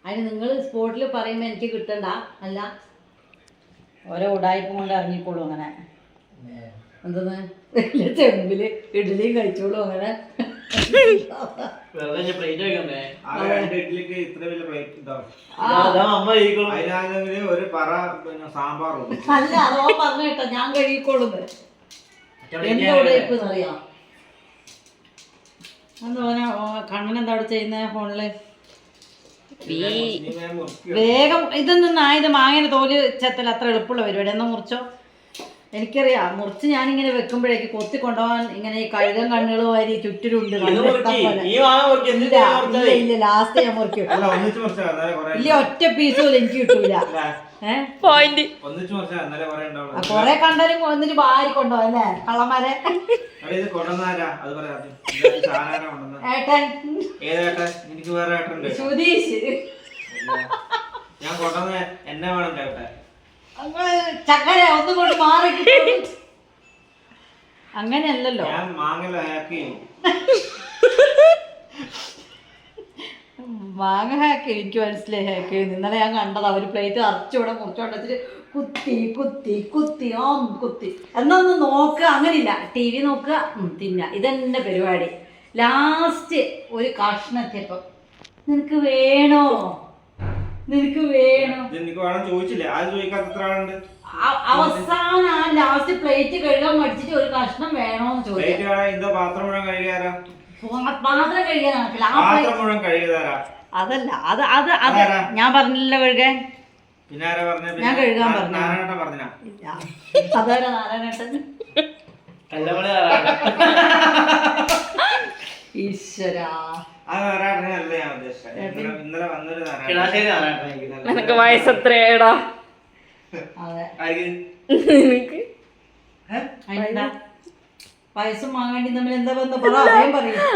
അതിന് നിങ്ങൾ സ്പോട്ടിൽ പറയുമ്പോൾ എനിക്ക് കിട്ടണ്ട. അല്ല ഓരോ ഉടായ്പ കൊണ്ട് ഇറങ്ങിക്കോളൂ. അങ്ങനെ എന്തെന്ന് ചെമ്പില് ഇഡ്ഡലിയും കഴിച്ചോളൂ. അങ്ങനെ അല്ല അതോ പറഞ്ഞു കേട്ടോ, ഞാൻ കഴിക്കോളുന്നത്. എന്താ ഉടായ്പ അറിയാം. എന്താ കണ്ണനെന്താ അവിടെ ചെയ്യുന്ന ഫോണില്? വേഗം ഇതൊന്നും ആയത് മാങ്ങനെ തോല് ചെത്തൽ അത്ര എളുപ്പമുള്ള പരിപാടി. എന്നാ മുറിച്ചോ. എനിക്കറിയാം മുറിച്ച് ഞാനിങ്ങനെ വെക്കുമ്പോഴേക്ക് കൊത്തി കൊണ്ടുപോകാൻ ഇങ്ങനെ ഈ കഴുകൻ കണ്ണുകൾ വാരി ചുറ്റിലുണ്ട്. ഇല്ല ലാസ്റ്റ് ഞാൻ മുറിക്കും. ഇല്ല ഒറ്റ പീസ് പോലും എനിക്ക് കിട്ടൂല. കൊറേ കണ്ടാലും എന്നിട്ട് വാരി കൊണ്ടുപോകും അല്ലേ കള്ളന്മാരെ. ഏട്ടൻ സുധീഷ് ചക്കര ഒന്നും കൊണ്ട് മാറി. അങ്ങനെയല്ലല്ലോ. മാങ്ങ ഹാക്ക് എനിക്ക് മനസ്സിലായി. ഹാക്ക് ഇന്നലെ ഞാൻ കണ്ടത് അവര് പ്ലേറ്റ് അരച്ചൂടെ മുറിച്ചോണ്ടിട്ട് കുത്തി കുത്തി കുത്തി കുത്തി എന്നൊന്ന് നോക്കുക. അങ്ങനില്ല, ടി വി നോക്കുക, തിന്ന. ഇതെന്നെ പരിപാടി. ലാസ്റ്റ് ഒരു കഷ്ണത്തിയപ്പം നിനക്ക് വേണോ നിനക്ക് വേണോ അവസാനം ആ ലാസ്റ്റ് പ്ലേറ്റ് കഴുകാൻ മടിച്ചിട്ട് ഒരു കഷ്ണം വേണോന്ന് ചോദിച്ചു. പാത്രം കഴുകാനാണ്. അതല്ല അത് അത് അത് ഞാൻ പറഞ്ഞില്ലല്ലോ കഴുകാൻ. ഞാൻ കഴുകാൻ പറഞ്ഞു. അതാരാ നാരായണേട്ടൻ? ഈശ്വരാ നിനക്ക് വയസ്സെത്രയാടാ? വയസ്സും മാങ്ങാണ്ടി തമ്മിൽ എന്താ ബന്ധം? പറയും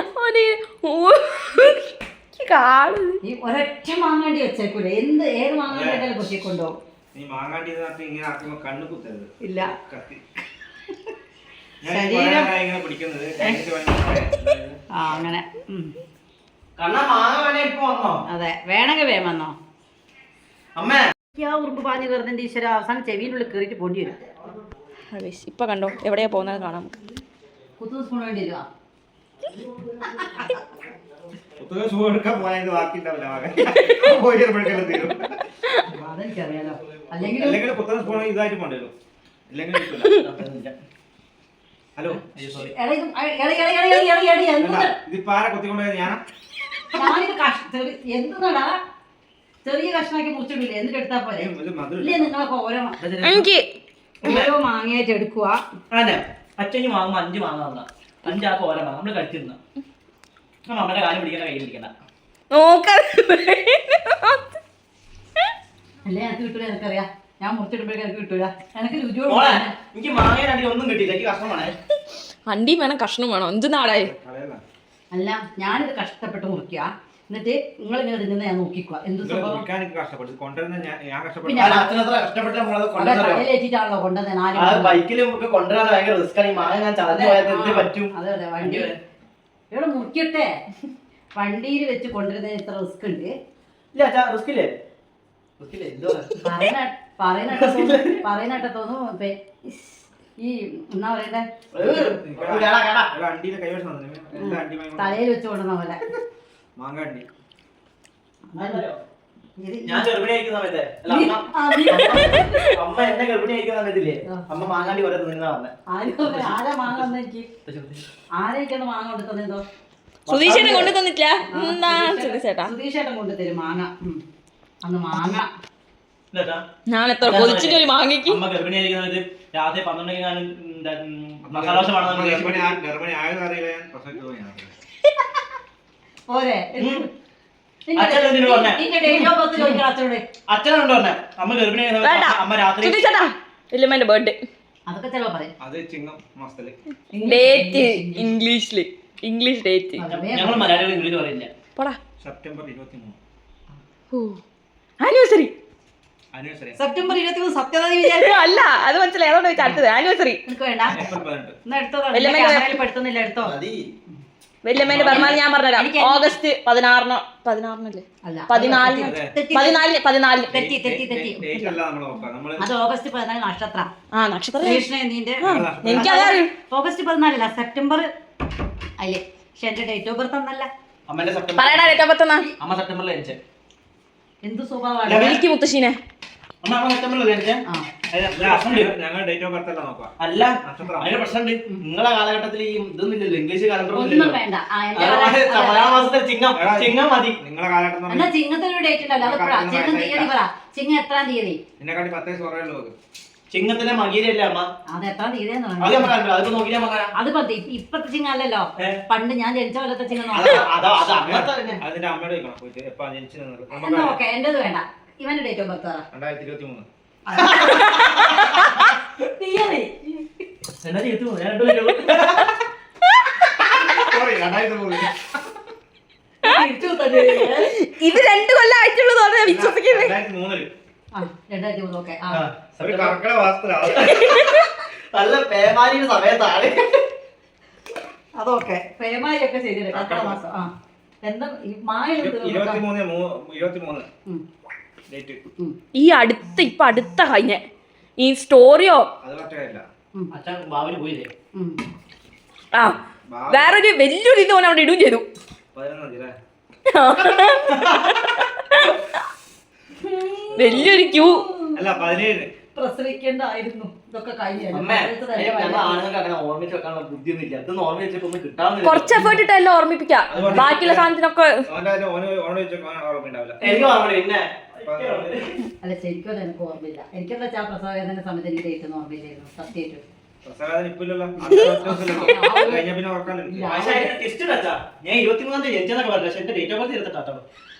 ഈ ഒരൊറ്റ മാങ്ങാണ്ടി വെച്ചേക്കൂല. ഏത് മാങ്ങാണ്ടി കൊത്തിക്കൊണ്ടുപോകും. ഇല്ല ശരീരം അങ്ങനെ. അതെ വേണമെങ്കിൽ വേഗം വന്നോ. ഉറുമ്പ് പാഞ്ഞു കയറുന്നതിന്റെ ഈശ്വര അവസാനം ചെവിയിനുള്ളിൽ കയറിയിട്ട് പൊടി വരും. ഇപ്പൊ കണ്ടോ എവിടെയാ പോകുന്നത് കാണാം. കുത്തു സ്പൂൺ വേണ്ടി വരുവാ. അതെനിക്കറിയാലോ. അല്ലെങ്കിൽ ഹലോ എന്തുന്നാടാ ചെറിയ കഷ്ണാക്കി മുറിച്ചിട്ടില്ലേ? എന്നിട്ട് എടുത്താ പോലെ. ഇല്ലേ നിങ്ങളൊക്കെ ഓരോ മാങ്ങയായിട്ട് എടുക്കുക. അച്ഛന് വാങ്ങുമ്പോ 5 മാങ്ങ തന്ന 5 ആൾക്ക് ഓരോ മാങ്ങ നമ്മള് കഴിച്ചിരുന്ന നമ്മുടെ കാലം പിടിക്കണ കയ്യിൽ പിടിക്കണ്ട. അല്ലേ എനിക്ക് കിട്ടൂല. എനിക്കറിയാം ഞാൻ മുറിച്ചിടുമ്പോഴേക്കും എനിക്ക് കിട്ടൂല. എനിക്ക് രുചിയോട് എനിക്ക് മാങ്ങ ഒന്നും കിട്ടിയില്ല. എനിക്ക് കഷ്ണം വേണേ. അണ്ടിയും വേണം കഷ്ണം വേണം. എന്ത് നാടായി. അല്ല ഞാനിത് കഷ്ടപ്പെട്ട് മുറിക്കുക. എന്നിട്ട് നിങ്ങൾ ഇങ്ങനെ തിന്നുന്ന ഞാൻ നോക്കിക്കുക. എന്ത് സംഭവം കഷ്ടപ്പെട്ടിട്ടാണല്ലോ കൊണ്ടുവന്നത്. അതെ അതെ വണ്ടി ഇവിടെ മുറിക്കട്ടെ. വണ്ടിയിൽ വെച്ച് കൊണ്ടുവരുന്നതിന് ഇത്ര റിസ്ക് ഉണ്ട്. പറയുന്നേട്ട തോന്നുന്നു ഈ എന്നാ പറയണ്ടേ തലയിൽ വെച്ച് കൊണ്ടുവന്ന പോലെ. ഞാൻ ഗർഭിണിയായിരിക്കുന്ന സമയത്ത് അമ്മ എന്നെ ഗർഭിണിയായിരിക്കുന്ന സമയത്തില്ലേ അമ്മ മാങ്ങാണ്ടി കുറെ തിന്നാ വന്നെ. ആരാ മാങ്ങ തന്നെ? എനിക്ക് ആരെയൊക്കെയാണ് മാങ്ങ കൊണ്ടു തന്നെന്തോ? സുധീഷേട്ടൻ കൊണ്ടു തന്നിട്ടില്ല. സുധീഷേട്ടൻ കൊണ്ടുതരും മാങ്ങ. അന്ന് മാങ്ങ ഞാൻ എത്ര കൊതിച്ചിട്ട് ഒരു മാങ്ങയ്ക്ക്. അമ്മ ഗർഭിണിയായിരിക്കുന്ന സമയത്ത് രാത്രി 12 മസാലോശ പോരെ അച്ഛനുണ്ടോ പറഞ്ഞ അമ്മ ഗർഭിണിയായ അമ്മ രാത്രി ഇല്ലമ്മന്റെ ബർത്ത്ഡേ അതൊക്കെ ചിലപ്പോ പറയും. ഡേറ്റ് ഇംഗ്ലീഷ് ഡേറ്റ് ഞങ്ങൾ മലയാളികൾ ഇംഗ്ലീഷ് പറയില്ല. September 23 anniversary. സെപ്റ്റംബർ 23 സത്യവാദി അല്ല അത് മനസ്സിലായി. അതുകൊണ്ട് അടുത്തത് ആനിവേഴ്സറി. വേണ്ട എടുത്തോ. വല്യമ്മേന്റെ പിറന്നാൾ ഞാൻ പറഞ്ഞുതരാം. ഓഗസ്റ്റ് 16-16 അല്ല 14 തെറ്റി അത് ഓഗസ്റ്റ് 14 നക്ഷത്രം. ആ നക്ഷത്രം കൃഷ്ണന്റെ എനിക്കതറിയും. ഓഗസ്റ്റ് 14 സെപ്റ്റംബർ അല്ലേ? പക്ഷെ എന്റെ ഡേറ്റ് ഓഫ് ബർത്ത് ഒന്നല്ല. അമ്മേന്റെ സെപ്റ്റംബർ പറയടാ ഡേറ്റ് ഓഫ് ബർത്ത് എന്നാ? അമ്മ സെപ്റ്റംബറിൽ ജനിച്ചേ. എന്ത് സ്വഭാവമാണ് വിളിക്ക് മുത്തശ്ശീനെ. അമ്മ സെപ്റ്റംബറിൽ ജനിച്ചേ. ഞങ്ങൾ ഡേറ്റ് ഓഫ് ബർത്ത് എല്ലാം നോക്കാം. അല്ല അതിന് പ്രശ്നമുണ്ട്. നിങ്ങളെ കാലഘട്ടത്തിൽ ഈ ഇതൊന്നും ഇല്ലല്ലോ, ഇംഗ്ലീഷ് കാലണ്ടർ ഒന്നും വേണ്ട. മലയാള മാസത്തിൽ ചിങ്ങം മതി. നിങ്ങളെ കാലഘട്ടം എന്നാ ചിങ്ങത്തിനൊരു ഡേറ്റ് ഉണ്ടല്ലോ, അതെപ്പോഴാ? ചിങ്ങം തീയതി പറ. ചിങ്ങം എത്രാം തീയതി? എന്നെക്കാട്ടി 10 വയസ്സ് കുറയുള്ളൂ. ചിങ്ങത്തിലെ മകീരല്ലേ അമ്മ? അത് എത്രാം തീയതിയെന്ന് അത് പറഞ്ഞു. നമ്മൾ കണ്ടു. അതിപ്പോ നോക്കിയാൽ മകനാ. അത് ഇപ്പത്തെ ചിങ്ങം അല്ലല്ലോ, പണ്ട് ഞാൻ ജനിച്ച പോലത്തെ ചിങ്ങം അത് അങ്ങനത്തെ തന്നെ. അതിന്റെ അമ്മയോട് ചോദിക്കണം പോയിട്ട് എപ്പാ ജനിച്ചത്. എന്നാ ഓക്കെ, എന്റേത് വേണ്ട. ഇവന്റെ ഡേറ്റ് ഓഫ് ബർത്ത് പറ. 2023. തീയതി എന്നാ ചെയ്തു ഞാൻ രണ്ടുപേരും Sorry, 2003. തിരിച്ചു തന്നെ. ഇത് 2 കൊല്ലം ആയിട്ടുള്ളൂ തോന്നുന്നു വിശ്വസിക്കുന്നത്. 2003. ആ 2003. ഓക്കെ. ആ ഒരു കർക്കിടക മാസത്തിലാണ്. നല്ല പേമാരിയുടെ സമയത്താണ്. അതൊക്കെ പേമാരിയൊക്കെ ശരിയല്ലേ? കർക്കിടക മാസം. ആ എന്താ ഈ മായ 23 ഡേറ്റ്. ഈ ഇപ്പൊ അടുത്ത കഴിഞ്ഞ ഈ സ്റ്റോറിയോ അത് പറ്റില്ല. അച്ഛൻ ബാബിന് പോയില്ലേ? ആ വേറൊരു വലിയൊരു ഇത് ഓൻ അവിടെ ഇടുകയും ചെയ്തു. 11 അല്ലേ? വലിയൊരു ക്യൂ. അല്ല 17. പ്രസവിക്കേണ്ടായിരുന്നു. ഇതൊക്കെ കഴിഞ്ഞു. അമ്മേ ഞങ്ങൾ ആണുങ്ങൾക്ക് അങ്ങനെ ഓർമ്മിച്ച് വെക്കാനുള്ള ബുദ്ധിയൊന്നും ഇല്ല. ഇതൊന്നും ഓർമ്മിച്ച് വെച്ചപ്പോ ഒന്നും കിട്ടാവുന്നില്ല. കുറച്ച് എഫേർട്ട് ഇട്ടല്ലോ ഓർമ്മിപ്പിക്കാം. ബാക്കിയുള്ള സാധനത്തിനൊക്കെ ഓർമ്മയുണ്ടാവില്ല. എനിക്ക് ഓർമ്മ പിന്നെ അല്ല ശരിക്കും അത് എനിക്ക് ഓർമ്മയില്ല. എനിക്കെന്താ വെച്ചാൽ പ്രസവവേദന സമയത്ത് എനിക്ക് ഡേറ്റ് ഒന്നും ഓർമ്മയില്ലായിരുന്നു സത്യമായിട്ടും. പ്രസവവേദന ഇപ്പില്ലല്ലോ. കഴിഞ്ഞ പിന്നെ ഓർക്കാനില്ല. പക്ഷേ അതിന്റെ twist ഉണ്ട് അച്ഛാ. ഞാൻ 23 ജനിച്ചെന്നൊക്കെ പറഞ്ഞു. പക്ഷെ എന്റെ ഡേറ്റ് ഓഫ് ബർത്ത് 28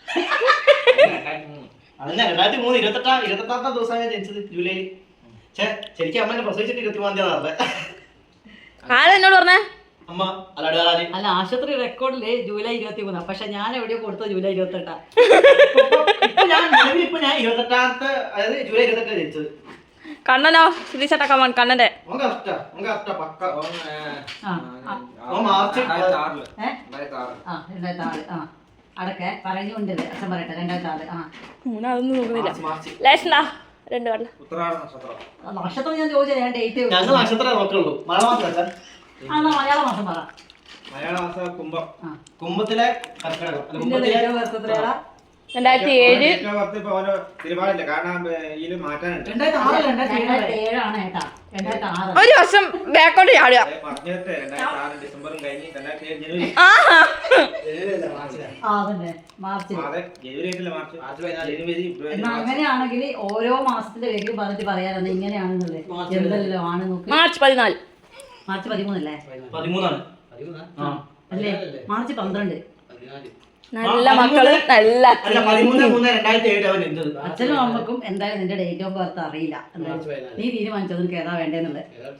അതന്നെ 2003 28 ദിവസമാണ് ഞാൻ ജനിച്ചത്, ജൂലൈയിൽ. ശരിക്കും അമ്മ എന്നെ പ്രസവിച്ചിട്ട് 23 നടന്നത്. ആരെന്നോട് പറഞ്ഞേ? അമ്മ അല്ലാണ്ട് വേറെ ആര്? അല്ല ആശുപത്രി റെക്കോർഡില് ജൂലൈ 23, പക്ഷെ ഞാൻ എവിടെയോ കൊടുത്തത് ജൂലൈ 28. ഇപ്പൊ ഞാൻ 28 അതായത് ജൂലൈ 28 ജനിച്ചത്. കണ്ണനോ ശ്രീചട്ട കമ്മൻ കണ്ണന്റെ പക്ക മാർച്ച് 2006. ആ 2006. ആ അടക്കെ പറഞ്ഞുകൊണ്ട് അച്ഛൻ പറയട്ടെ 2006. ആ അതൊന്നും നോക്കുന്നില്ല. മാർച്ച് ലേശനാ 2 കടല ഉത്തരാട നക്ഷത്രം. നക്ഷത്രം ഞാൻ ചോദിച്ചത് ഞാൻ ഡേറ്റ്. ഞങ്ങൾ നക്ഷത്രം നോക്കുള്ളൂ. മലയാള മാസം ആ മലയാള മാസം പറ. മലയാള മാസം കുംഭം. കുംഭത്തിലെ കർക്കിടകം. അല്ല, നിന്റെ കുംഭത്തിലെ ഡേറ്റ് ഓഫ് ബർത്ത് എത്രയാടാ? 2007. തിരുപാടില്ല കാരണം ഇതില് മാറ്റാനുണ്ട്. 2007 ആണ് ഏട്ടാ. 2006. ഒരു വർഷം ബാക്കോട്ട് ചാടുക. പറഞ്ഞിട്ട് 2006 ഡിസംബറും കഴിഞ്ഞ് 2007 ജനുവരി. ആ ആ അതന്നെ മാർച്ചിൽ. അതെ ജനുവരി ആയിട്ടില്ല, മാർച്ച് 14 ജനുവരി ഫെബ്രുവരി എന്നാ അങ്ങനെയാണെങ്കിൽ ഓരോ മാസത്തിന്റെ പേരും പറഞ്ഞിട്ട് പറയാറുണ്ട് ഇങ്ങനെയാണെന്നുള്ളത്. എന്തെല്ലോ ആണ് നോക്ക്. മാർച്ച് 14. മാർച്ച് 13 അല്ലേ? 13 അല്ലേ? മാർച്ച് 12. നല്ല മക്കള് നല്ല അല്ല 13/3/2007 അവൻ എന്ത് അച്ഛനും അമ്മക്കും എന്തായാലും നിന്റെ ഡേറ്റ് ഓഫ് ബർത്ത് അറിയില്ല. നീ തീരുമാനിച്ചത് നിനക്ക് ഏതാ വേണ്ടേന്നുള്ളത്.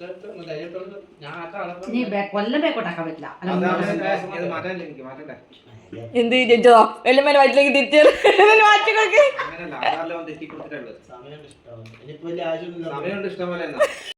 നീ കൊല്ലം ബേക്കോട്ടാക്കാൻ പറ്റില്ല. ഇത് മാറ്റാനില്ല, എനിക്ക് മാറ്റണ്ടേ. എന്ത് ജനിച്ചതോ വെല്ലമ്മേന്റെ വയറ്റിലേക്ക് തിരിച്ചു മാറ്റിക്കൊക്കെ അങ്ങനെയല്ല, ആധാറിൽ തെറ്റി കൊടുത്തിട്ടുള്ളത്. സമയമുണ്ട് ഇഷ്ടം പോലെ എന്നാ.